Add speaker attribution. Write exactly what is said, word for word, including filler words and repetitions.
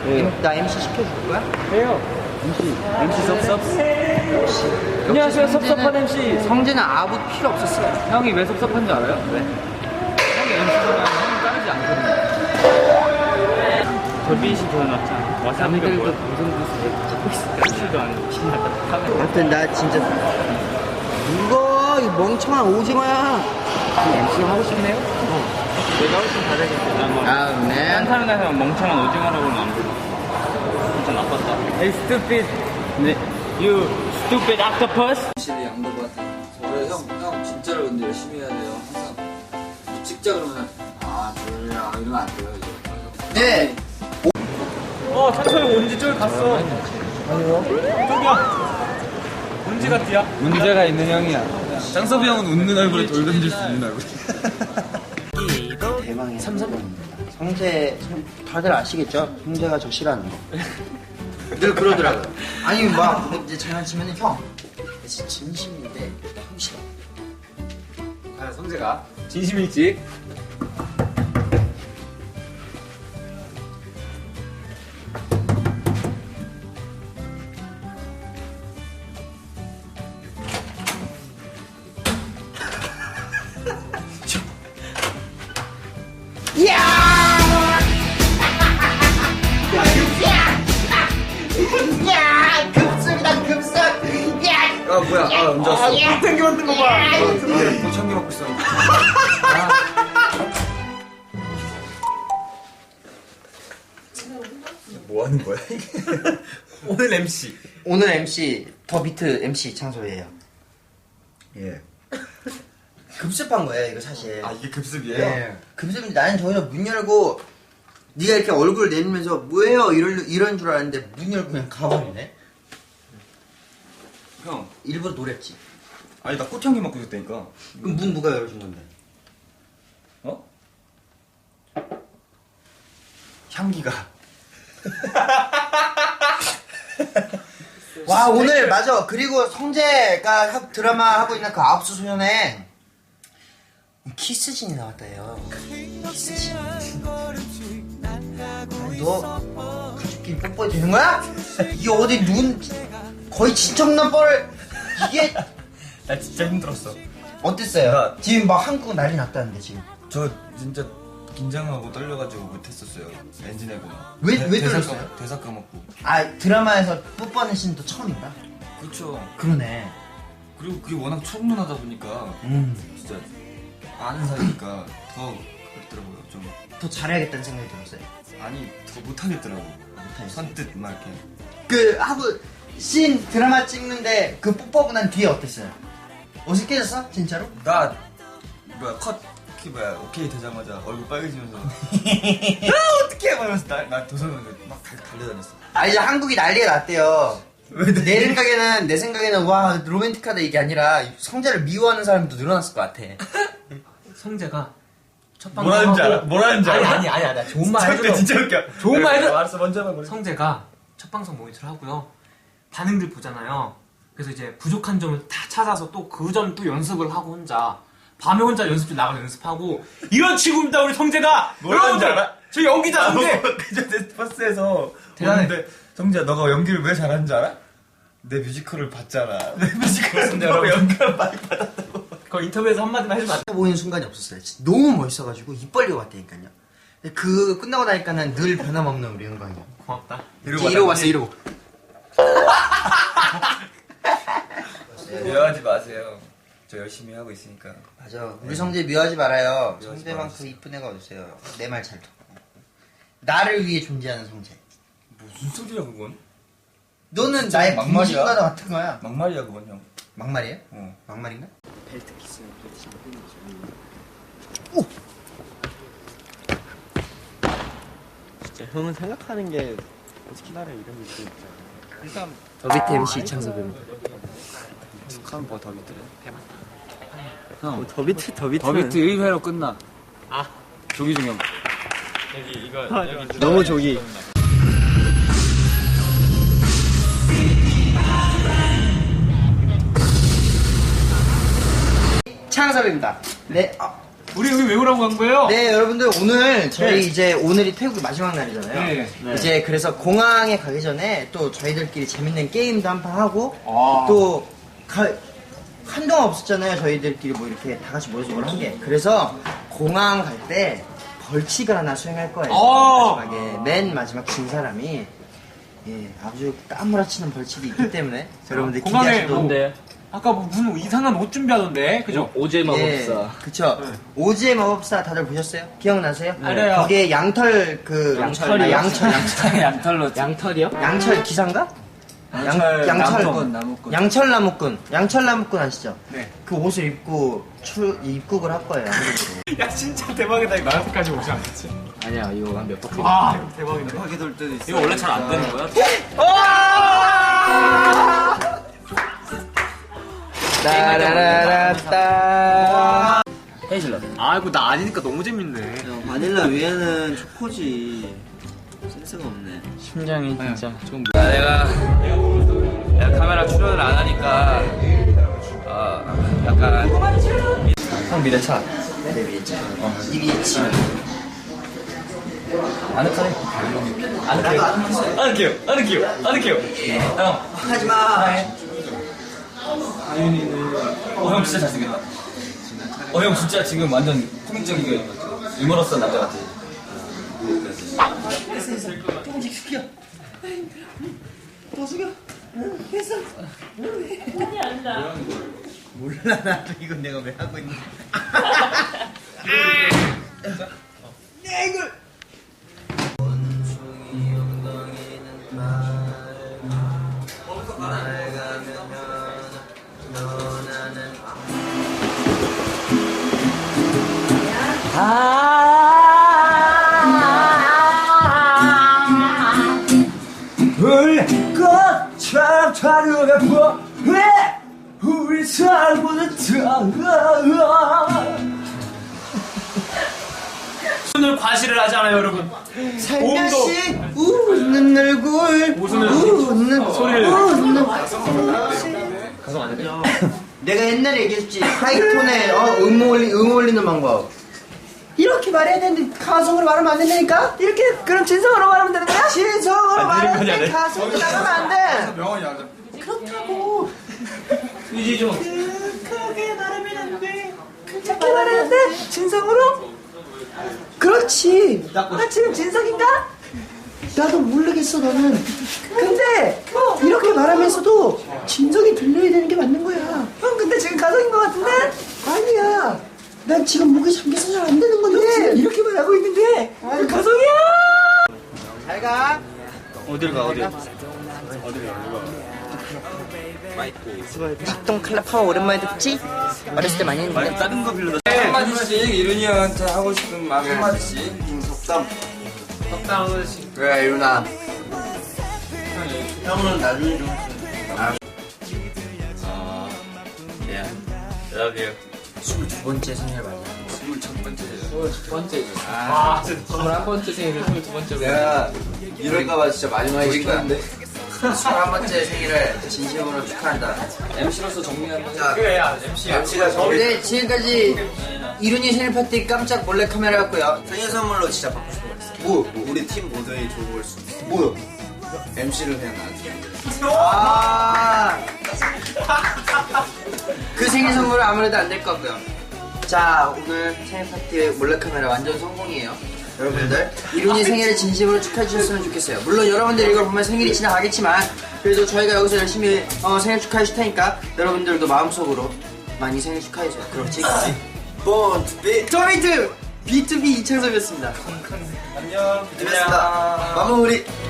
Speaker 1: 네. 나 엠씨 시켜줄 거야?
Speaker 2: 해요. 엠씨. 엠씨 섭섭. 안녕하세요, 섭섭한 엠씨.
Speaker 1: 성재는 아무 필요 없었어요.
Speaker 2: 형이 왜 섭섭한지 알아요? 왜? 형이 엠씨잖아요. 형은 따르지 않거든요. 돌빈씨 더 낫잖아. 와사비가 뭐야? 방송부스에 찍고 있어. 엠씨도 아니고 신나다.
Speaker 1: 아무튼 나 진짜 이거 이 멍청한 오징어야. 엠씨 하고 싶네요? 어.
Speaker 2: 내가 훨씬 잘하겠어.
Speaker 1: 아, 네.
Speaker 2: 한타면에서 멍청한 오징어라고는 안 불러. 진짜 나빴다. Hey, stupid. 네. You stupid octopus.
Speaker 3: 확실히 양도받 저래 형, 형 진짜로 근데 열심히 해야 돼요. 항상 뭐 찍자 그러면 아 그래요 이러면 안 돼요 이제.
Speaker 1: 네.
Speaker 2: 어, 찬철이 온지 저기 갔어.
Speaker 1: 아니요.
Speaker 2: 저기야. 온지 같디야? 문제가 있는 형이야. 장섭이 형은 웃는 얼굴에 돌 던질 수 있는 얼굴.
Speaker 1: 대망의 삼성입니다. 성재 다들 아시겠죠? 성재가 저 싫어하는 거. 늘 그러더라고요. 아니 막 이제 장난치면은 형, 진짜 진심인데 형 싫어.
Speaker 2: 과연 성재가 진심일지?
Speaker 1: 야, 급습이다 급습. 야,
Speaker 3: 아 뭐야 아 언제 왔어?
Speaker 2: 땡겨 만든 거 봐.
Speaker 3: 고창기 먹고 있어. 뭐 하는 거야 이게? 오늘 엠씨.
Speaker 1: 오늘 엠씨 더 비트 엠씨 창소예요.
Speaker 3: 예.
Speaker 1: 급습한 거예요 이거 사실.
Speaker 3: 아 이게 급습이에요?
Speaker 1: 네. 급습인데 나는 저기서 문 열고 네가 이렇게 얼굴 내밀면서 뭐예요 이런 이런 줄 알았는데 문 열고 그냥 가버리네.
Speaker 3: 형.
Speaker 1: 일부러 노렸지.
Speaker 3: 아니 나 꽃향기 먹고 있었다니까.
Speaker 1: 그럼 문 누가 열어준 건데?
Speaker 3: 어? 향기가.
Speaker 1: 와 오늘 맞아. 그리고 성재가 하- 드라마 하고 있는 그 아홉수 소년에 키스신이 나왔다요. 키스신. 아니, 너 가족끼리 뽀뽀해도 되는 거야? 이게 어디 눈 거의 친척남 뻘 이게
Speaker 3: 나 진짜 힘들었어.
Speaker 1: 어땠어요?
Speaker 3: 나-
Speaker 1: 지금 막 한국 난리 났다는데 지금.
Speaker 3: 저 진짜 긴장하고 떨려가지고 못했었어요. 엔진해고.
Speaker 1: 왜- 왜
Speaker 3: 대사
Speaker 1: 떨렸어요?
Speaker 3: 까먹- 대사 까먹고.
Speaker 1: 아 드라마에서 뽀뽀하는 신도 처음인가?
Speaker 3: 그렇죠.
Speaker 1: 그러네.
Speaker 3: 그리고 그게 워낙 초문하다 보니까
Speaker 1: 음.
Speaker 3: 진짜 아는 사이니까 더 그렇더라고요. 좀
Speaker 1: 더 잘해야겠다는 생각이 들었어요.
Speaker 3: 아니 더 못하겠더라고.
Speaker 1: 못하겠어요.
Speaker 3: 선뜻 막 이렇게.
Speaker 1: 그 하고 씬 드라마 찍는데 그 뽀뽀하고 난 뒤에 어땠어요? 어색해졌어? 진짜로?
Speaker 3: 나 뭐야 컷 키 뭐야 오케이 되자마자 얼굴 빨개지면서 아 어떡해 하면서 나나 도서관에 막 달- 달려다녔어.
Speaker 1: 아 이제 한국이 난리가 났대요.
Speaker 3: 왜
Speaker 1: 내 생각에는 내 생각에는 와 로맨틱하다 이게 아니라 성재를 미워하는 사람도 늘어났을 것 같아.
Speaker 4: 성재가 첫 방송
Speaker 3: 뭐라는지 알아? 뭐라는지
Speaker 4: 아니
Speaker 3: 알아?
Speaker 4: 아니 아니 아니 좋은 말
Speaker 3: 진짜
Speaker 4: 해줘.
Speaker 3: 진짜 웃겨.
Speaker 4: 좋은 말 해줘.
Speaker 3: 알았어 먼저 해봐. 그래.
Speaker 4: 성재가 첫 방송 모니터를 하고요. 반응들 보잖아요. 그래서 이제 부족한 점을 다 찾아서 또 그 점 또 연습을 하고 혼자 밤에 혼자 연습실 나가서 연습하고 이런 친구입니다 우리 성재가.
Speaker 3: 뭐라는지
Speaker 4: 여러분들,
Speaker 3: 알아?
Speaker 4: 저 연기자 성재.
Speaker 3: 그전에 버스에서
Speaker 4: 대단해.
Speaker 3: 오는데 성재야 너가 연기를 왜 잘하는지 알아? 내 뮤지컬을 봤잖아. 내 뮤지컬
Speaker 4: 근데
Speaker 3: 너가
Speaker 4: 여러분-
Speaker 3: 연기를 많이 받았다고.
Speaker 4: 그 인터뷰에서 한마디만 해주면 안 돼?
Speaker 1: 보이는 순간이 없었어요. 진짜 너무 멋있어가지고 입 벌리고 왔다니까요. 근데 그 끝나고 나니까는 늘 변함없는 우리 영광이요.
Speaker 4: 고맙다.
Speaker 1: 이러고, 이러고 왔어 이러고.
Speaker 3: 미워하지 마세요. 저 열심히 하고 있으니까.
Speaker 1: 맞아. 우리 성재 미워하지 말아요.
Speaker 3: 미워하지
Speaker 1: 성재만큼
Speaker 3: 말아주세요.
Speaker 1: 이쁜 애가 어딨어요. 내 말 잘 듣고. 나를 위해 존재하는 성재.
Speaker 3: 무슨 소리야 그건?
Speaker 1: 너는
Speaker 3: 진짜
Speaker 1: 나의
Speaker 3: 막말이야?
Speaker 1: 분신과 같은 거야.
Speaker 3: 막말이야 그건 형.
Speaker 1: 막말이에요?
Speaker 3: 어.
Speaker 1: 막말인가?
Speaker 2: 진짜 형은 생각하는 게 어떻게 나라 이런 게 있잖아. 일단
Speaker 1: 더 비트 엠씨 이창섭입니다.
Speaker 3: 축하한 뭐 더 밑으로.
Speaker 2: 형 더비트 더비트 더비트 일 회로 끝나. 아 조기중 형. 여기 이거 여기 너무 조기.
Speaker 1: 창섭입니다. 네. 아,
Speaker 4: 우리 여기 왜 오라고 한 거예요?
Speaker 1: 네, 여러분들 오늘 저희
Speaker 4: 네.
Speaker 1: 이제 오늘이 태국의 마지막 날이잖아요.
Speaker 4: 네.
Speaker 2: 네.
Speaker 1: 이제 그래서 공항에 가기 전에 또 저희들끼리 재밌는 게임도 한 판 하고
Speaker 4: 아.
Speaker 1: 또 가, 한동안 없었잖아요. 저희들끼리 뭐 이렇게 다 같이 모여서 뭘 한 게. 그래서 공항 갈 때 벌칙을 하나 수행할 거예요.
Speaker 4: 아.
Speaker 1: 마지막에 맨 마지막 진 사람이 예, 아주 까무라치는 벌칙이 있기 때문에 여러분들
Speaker 4: 공항에
Speaker 1: 기대하셔도
Speaker 4: 뭐-
Speaker 2: 근데
Speaker 4: 아까 뭐 무슨 이상한 옷 준비하던데, 그죠?
Speaker 2: 오제 마법사.
Speaker 1: 예, 그쵸. 오지의 마법사 다들 보셨어요? 기억나세요?
Speaker 4: 알아요.
Speaker 1: 거기에 양털 그
Speaker 2: 양털이요?
Speaker 1: 아, 양철 양철
Speaker 2: 양털로. 양털이요?
Speaker 1: 양철 기사인가?
Speaker 2: 양철
Speaker 1: 양철
Speaker 2: 나무꾼, 나무꾼.
Speaker 1: 양철 나무꾼 양철 나무꾼 아시죠?
Speaker 4: 네.
Speaker 1: 그 옷을 입고 출 입국을 할 거예요. 한국으로.
Speaker 4: 야, 진짜 대박이다. 이거 나한테까지 오지 않겠지?
Speaker 2: 아니야, 이거 한 몇 바퀴.
Speaker 4: 아, 대박이다.
Speaker 2: 바퀴 돌 때도 있어.
Speaker 4: 이거 원래 잘 안 되는 거야?
Speaker 1: 따라라라따.
Speaker 2: 헤이즐넛.
Speaker 4: 아, 이거 나 아니니까 너무 재밌네.
Speaker 2: 바닐라 위에는 초코지. 센스가 없네. 심장이 진짜 좀.
Speaker 3: 아, 내가 내가 카메라 출연을 안 하니까 어, 약간
Speaker 2: 형 미래차.
Speaker 1: 네, 위에차. 이비에치.
Speaker 2: 아늑하네.
Speaker 1: 나도 안 봤어.
Speaker 4: 아늑해요, 아늑해요, 아늑해요. 형,
Speaker 1: 하지마.
Speaker 2: 어, 형 진짜 잘생겼다. 어, 형 진짜 지금 완전 코믹적이게 유머러스한 남자 같아.
Speaker 1: 조금씩 숙여. 더 숙여. 했어. 몰라 나도 이건 내가 왜 하고 있는. 내 이걸. 불꽃처럼 타려가 보 왜 우리 살보다
Speaker 4: 오늘 과시를 하잖아요, 여러분.
Speaker 1: 살며시 웃는 얼굴
Speaker 4: 웃으면
Speaker 1: 웃는
Speaker 4: 소리를.
Speaker 1: 웃는
Speaker 4: 가성 안 되죠?
Speaker 1: 내가 옛날에 얘기했지 하이톤에 어, 음, 올리, 음 올리는 방법 이렇게 말해야 되는데 가성으로 말하면 안 된다니까? 이렇게 그럼 진성으로 말하면 되는 거야? 진성으로
Speaker 4: 안 되는 거냐,
Speaker 1: 말하는데
Speaker 4: 네?
Speaker 1: 가성으로 나가면 안돼
Speaker 3: 명언이 안 돼.
Speaker 1: 그렇다고
Speaker 2: 유지 좀.
Speaker 1: 크게 말하면 안돼 크게 말하는데 진성으로? 그렇지 나 지금 진성인가? 나도 모르겠어 너는 근데 이렇게 말하면서도 진성이 들려야 되는 게 맞는 거야 형 근데 지금 가성인 것 같은데? 아니야 난 지금 목이 잠겨서 잘 안 되는 건데 이렇게 말하고 있는데 왜 가성이야 잘가
Speaker 2: 어딜 가, 어딜.
Speaker 1: 작동 칼라 파워 오랜만에 듣지? 어렸을 때 많이 했는데
Speaker 2: 다른 거 빌려다.
Speaker 3: 한마디씩 이룬이 형한테 하고 싶은 말 한마디씩.
Speaker 1: 속담
Speaker 4: 적당 하나씩.
Speaker 3: 그래 이룬아.
Speaker 1: 형은 나중에 좀
Speaker 3: 예. Love you.
Speaker 1: 스물두 번째 생일 맞아
Speaker 3: 스물첫 번째.
Speaker 2: 첫 번째.
Speaker 4: 아, 진짜.
Speaker 2: 스물한 번째 생일을 스물두 번째로.
Speaker 3: 내가 이럴까봐 진짜 마지막에 거야.
Speaker 1: 스물한 번째 생일을 진심으로 축하한다
Speaker 2: 엠씨로서 정리 한번 해.
Speaker 3: 자,
Speaker 4: 그래, 야, 엠씨야.
Speaker 3: 엠씨가 저기
Speaker 1: 네, 지금까지 이룬이 생일 파티 깜짝 몰래 카메라였고요. 생일 선물로 진짜 받고 싶은 거 있어.
Speaker 3: 뭐, 뭐 우리 팀 모두의 좋은 걸 수. 있어.
Speaker 1: 뭐요?
Speaker 3: 엠씨를 그냥 나한테.
Speaker 1: 아, 그 생일 선물은 아무래도 안 될 것 같고요. 자, 오늘 생일 파티 몰래 카메라 완전 성공이에요. 여러분들 이룬이 생일을 진심으로 축하해 주셨으면 좋겠어요. 물론 여러분들 이걸 보면 생일이 지나가겠지만 그래도 저희가 여기서 열심히 어, 생일 축하해 줄 테니까 여러분들도 마음속으로 많이 생일 축하해 줘요. 그렇지?
Speaker 3: 본 투비.
Speaker 1: 토미트 비투비 이창섭이었습니다.
Speaker 3: 안녕. 안녕. 마무리.